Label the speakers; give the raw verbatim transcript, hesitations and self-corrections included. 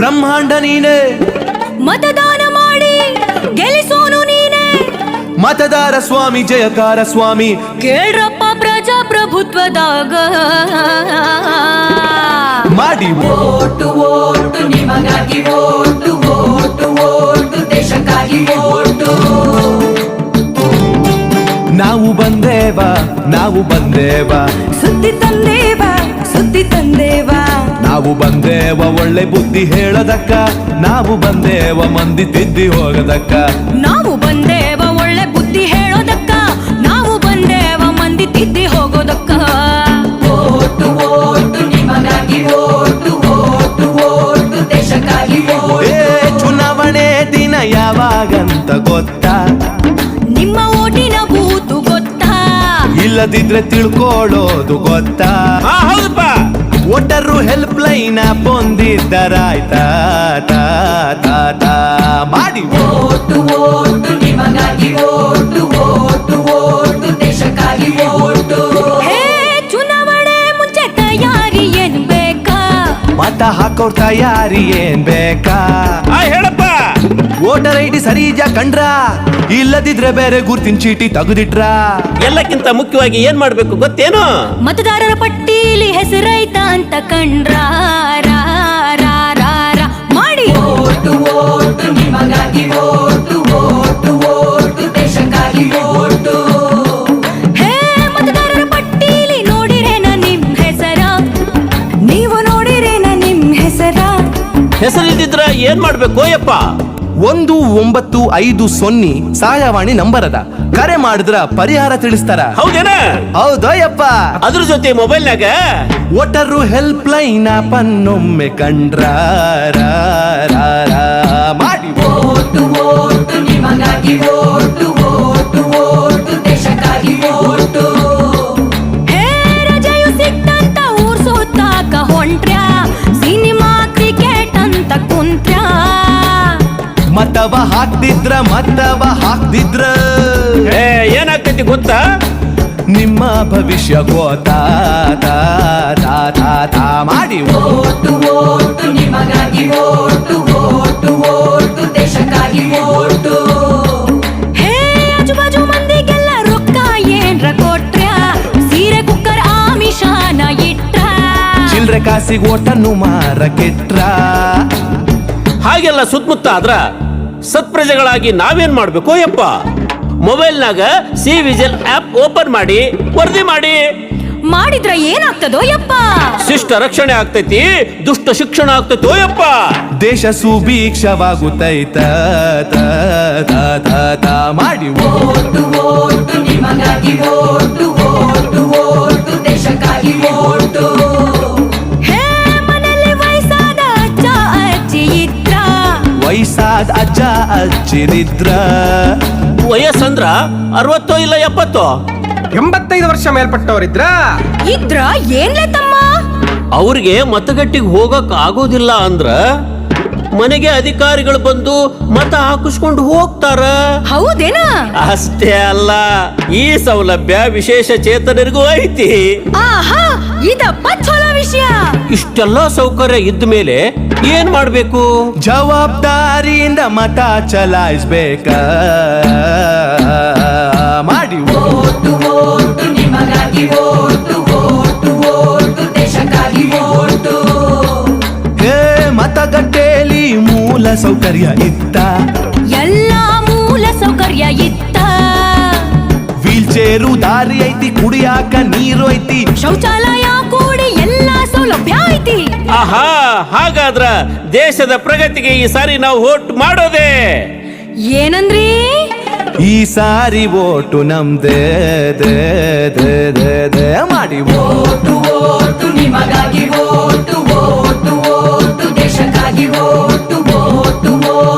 Speaker 1: ಬ್ರಹ್ಮಾಂಡ ನೀನೆ,
Speaker 2: ಮತದಾನ ಮಾಡಿ ಗೆಲ್ಲಿಸೋನು ನೀನೆ,
Speaker 1: ಮತದಾರ ಸ್ವಾಮಿ ಜಯಕಾರ ಸ್ವಾಮಿ.
Speaker 2: ಕೇಳ್ರಪ್ಪ ಪ್ರಜಾಪ್ರಭುತ್ವದಾಗ
Speaker 1: ಮಾಡಿ
Speaker 3: ಓಟು ಓಟು ನಿಮಗಾಗಿ ಓಟು ಓಟು ಓಟು ದೇಶಕ್ಕಾಗಿ ಓಟು.
Speaker 1: ನಾವು ಬಂದೇವ ನಾವು ಬಂದೇವ
Speaker 2: ಸುದ್ದಿ ತಂದೇವ ಸುದ್ದಿ ತಂದೇವ,
Speaker 1: ನಾವು ಬಂದೇವ ಒಳ್ಳೆ ಬುದ್ಧಿ ಹೇಳದಕ್ಕ, ನಾವು ಬಂದೇವ ಮಂದಿ ತಿದ್ದಿ ಹೋಗದಕ್ಕ.
Speaker 2: ನಾವು ಬಂದೇವ ಒಳ್ಳೆ ಬುದ್ಧಿ ಹೇಳೋದಕ್ಕ, ನಾವು ಬಂದೇವ ಮಂದಿ ತಿದ್ದಿ ಹೋಗೋದಕ್ಕ.
Speaker 3: ಓಟು ಓಟು ನಿಮಗಾಗಿ ಓಟು ಓಟು ಓಟು ದೇಶಕ್ಕಾಗಿ ಓಟು.
Speaker 1: ಏ ಚುನಾವಣೆ ದಿನ ಯಾವಾಗಂತ ಗೊತ್ತಾ?
Speaker 2: ನಿಮ್ಮ ಓಟಿನ ಬೂತು ಗೊತ್ತಾ?
Speaker 1: ಇಲ್ಲದಿದ್ರೆ ತಿಳ್ಕೊಳ್ಳೋದು ಗೊತ್ತಾ?
Speaker 4: ಹೌದಪ್ಪ.
Speaker 1: ವೋಟರು ಹೆಲ್ಪ್ ಲೈನ್ ಬಂದಿದ್ದರಾಯ್ತಾ ತಾ ತಾ ತಾ ಮಾಡಿ
Speaker 3: ಓಟು ಓಟು ನಿಮಗಾಗಿ ಓಟು ಓಟು ಓಟು ದೇಶಕ್ಕಾಗಿ ಓಟು.
Speaker 2: ಹೇ ಚುನಾವಣೆ ಮುಂಚೆ ತಯಾರಿ ಏನ್ ಬೇಕಾ?
Speaker 1: ಮತ ಹಾಕೋರ್ ತಯಾರಿ ಏನ್ ಬೇಕಾ?
Speaker 4: ಆ ಹೇಳಪ್ಪ.
Speaker 1: ವೋಟರ್ ಐ ಡಿ ಸರಿಜ ಕಂಡ್ರ, ಇಲ್ಲದಿದ್ರೆ ಬೇರೆ ಗುರ್ತಿನ ಚೀಟಿ ತೆಗೆದಿಟ್ರ.
Speaker 4: ಎಲ್ಲಕ್ಕಿಂತ ಮುಖ್ಯವಾಗಿ ಏನ್ ಮಾಡ್ಬೇಕು ಗೊತ್ತೇನು?
Speaker 2: ಮತದಾರರ ಪಟ್ಟೀಲಿ ಹೆಸರೈತ ಅಂತ ಕಂಡ್ರ ರಾ, ರಾ, ರಾ, ರಾ ಮಾಡಿ
Speaker 3: ಓಟು ಓಟು ನಿಮಗಾಗಿ ಓಟು ಓಟು ಓಟು ದೇಶಕ್ಕಾಗಿ ಓಟು.
Speaker 2: ಹೇ ಮತದಾರರ ಪಟ್ಟೀಲಿ ನೋಡಿರೇನ ನಿಮ್ ಹೆಸರ? ನೀವು ನೋಡಿರೇನ ನಿಮ್ ಹೆಸರ?
Speaker 4: ಹೆಸರಿದ್ದಿದ್ರ ಏನ್ ಮಾಡ್ಬೇಕು ಯಪ್ಪ?
Speaker 1: ಒಂದು ಒಂಬತ್ತು ಐದು ಸೊನ್ನೆ ಸಹಾಯವಾಣಿ ನಂಬರ್ ಅದ, ಕರೆ ಮಾಡಿದ್ರ ಪರಿಹಾರ ತಿಳಿಸ್ತಾರ.
Speaker 4: ಹೌದೇನ?
Speaker 1: ಹೌದಯ್ಯಪ್ಪ.
Speaker 4: ಅದ್ರ ಜೊತೆ ಮೊಬೈಲ್ನಾಗ
Speaker 1: ವೋಟರು ಹೆಲ್ಪ್ ಲೈನ್ ಪನ್ನೊಮ್ಮೆ ಕಂಡ್ರ ರಾ, ರಾ, ರಾ ಮಾಡಿ
Speaker 3: ಓಟು ಓಟು ನಿಮಗಾಗಿ ಓಟು ಓಟು ಓಟು ದೇಶಕ್ಕಾಗಿ ಓಟು.
Speaker 2: ಹೇ ರಜೆಯು ಸಿಕ್ತಂತ ಊರ್ ಸುತ್ತಾಕ ಹೊಂಟ್ರ್ಯಾ, ಸಿನಿಮಾ ಕ್ರಿಕೆಟ್ ಅಂತ ಕುಂತ್ರ್ಯಾ.
Speaker 1: ಮತವ ಹಾಕ್ತಿದ್ರ ಮತವ ಹಾಕ್ತಿದ್ರ
Speaker 4: ಏ, ಏನಾಗ್ತೈತಿ ಗೊತ್ತಾ?
Speaker 1: ನಿಮ್ಮ ಭವಿಷ್ಯ ಗೋತಾ ತಾ ತಾ ತಾ ತಾ ಮಾಡಿ
Speaker 3: ಓಟು ಓಟು ನಿಮಗಾಗಿ ಓಟು ಓಟು ಓಟು ದೇಶಕ್ಕಾಗಿ ಓಟು.
Speaker 2: ಹೇ ಆಜು ಬಾಜು ಮಂದಿಗೆಲ್ಲ ರೊಕ್ಕ ಏನ್ರ ಕೊಟ್ರ್ಯಾ, ಸೀರೆ ಕುಕ್ಕರ್ ಆಮಿಷಾನ ಇಟ್ರ.
Speaker 1: ಚಿಲ್ರೆ ಕಾಸಿಗೆ ಓಟನ್ನು ಮಾರ ಕೆಟ್ರ.
Speaker 4: ಹಾಗೆಲ್ಲ ಸುತ್ತಮುತ್ತ ಆದ್ರ ಸತ್ಪ್ರಜೆಗಳಾಗಿ ನಾವೇನ್ ಮಾಡ್ಬೇಕು ಯಪ್ಪ? ಮೊಬೈಲ್ನಾಗ ಸಿ ವಿಜಿಲ್ ಆಪ್ ಓಪನ್ ಮಾಡಿ ವರದಿ ಮಾಡಿ.
Speaker 2: ಮಾಡಿದ್ರ ಏನಾಗ್ತದೋ ಯಪ್ಪ?
Speaker 4: ಶಿಷ್ಟ ರಕ್ಷಣೆ ಆಗ್ತೈತಿ, ದುಷ್ಟ ಶಿಕ್ಷಣ ಆಗ್ತೈತೋ ಯಪ್ಪ.
Speaker 1: ದೇಶ ಸುಭೀಕ್ಷವಾಗುತ್ತೈತ ತಾ ತಾ ತಾ ತಾ ಮಾಡಿ
Speaker 3: ಓಟು ಓಟು ನಿಮಗಾಗಿ ಓಟು ಓಟು ಓಟು ದೇಶಕ್ಕಾಗಿ ಓಟು.
Speaker 2: ಹೇ ಮನೆಯಲ್ಲಿ ವಯಸ್ಸಾದ ಅಜ್ಜ ಅಜ್ಜಿ ಇದ್ರ,
Speaker 1: ವಯಸ್ಸಾದ ಅಜ್ಜ ಅಜ್ಜಿರಿದ್ರ.
Speaker 4: ವಯಸ್ಸಂದ್ರ ಅರವತ್ತೋ ಇಲ್ಲ ಎಪ್ಪತ್ತೋ?
Speaker 5: ಎಂಬತ್ತೈದು ವರ್ಷ ಮೇಲ್ಪಟ್ಟವರಿದ್ರ
Speaker 2: ಇದ್ರ ಏನ್ಲೆ ತಮ್ಮ?
Speaker 4: ಅವ್ರಿಗೆ ಮತಗಟ್ಟಿಗೆ ಹೋಗಕ್ ಆಗೋದಿಲ್ಲ ಅಂದ್ರ ಮನೆಗೆ ಅಧಿಕಾರಿಗಳು ಬಂದು ಮತ ಹಾಕಿಸ್ಕೊಂಡು ಹೋಗ್ತಾರ.
Speaker 2: ಹೌದೇನ?
Speaker 4: ಅಷ್ಟೇ ಅಲ್ಲ, ಈ ಸೌಲಭ್ಯ ವಿಶೇಷ ಚೇತನರಿಗೂ ಐತಿ.
Speaker 2: ಆಹಾ, ಇದಪ್ಪ ಚಲೋ ವಿಷಯ.
Speaker 4: ಇಷ್ಟೆಲ್ಲ ಸೌಕರ್ಯ ಇದ್ದ ಮೇಲೆ ಏನ್ ಮಾಡ್ಬೇಕು?
Speaker 1: ಜವಾಬ್ದಾರಿಯಿಂದ ಮತ ಚಲಾಯಿಸ್ಬೇಕ ಮಾಡಿ
Speaker 3: ಓಟು ಓಟು ನಿಮಗಾಗಿ ಓಟು ಓಟು ಓಟು ದೇಶಕ್ಕಾಗಿ ಓಟು.
Speaker 1: ಹೇ ಮತಗಟ್ಟೆಯಲ್ಲಿ ಮೂಲ ಸೌಕರ್ಯ ಇತ್ತ,
Speaker 2: ಎಲ್ಲಾ ಮೂಲ ಸೌಕರ್ಯ ಇತ್ತ.
Speaker 1: ವೀಲ್ ಚೇರು ದಾರಿ ಐತಿ, ಕುಡಿಯಾಕ ನೀರು ಐತಿ,
Speaker 2: ಶೌಚಾಲಯ ಕೂಡಿ ಎಲ್ಲಾ ಸೌಲಭ್ಯ ಐತಿ.
Speaker 4: ಆಹಾ, ಹಾಗಾದ್ರ ದೇಶದ ಪ್ರಗತಿಗೆ ಈ ಸಾರಿ ನಾವು ವೋಟ್ ಮಾಡೋದೇ.
Speaker 2: ಏನಂದ್ರಿ?
Speaker 1: ಈ ಸಾರಿ ಓಟು ನಮ್ದೇ ದೇ ದೇ ದೇ ದೇ ಮಾಡಿ
Speaker 3: ಓಟು ಓಟು ನಿಮಗಾಗಿ ಓಟು ಓಟು ಓಟು ದೇಶಕ್ಕಾಗಿ ಓಟು ಓಟು ಓಟು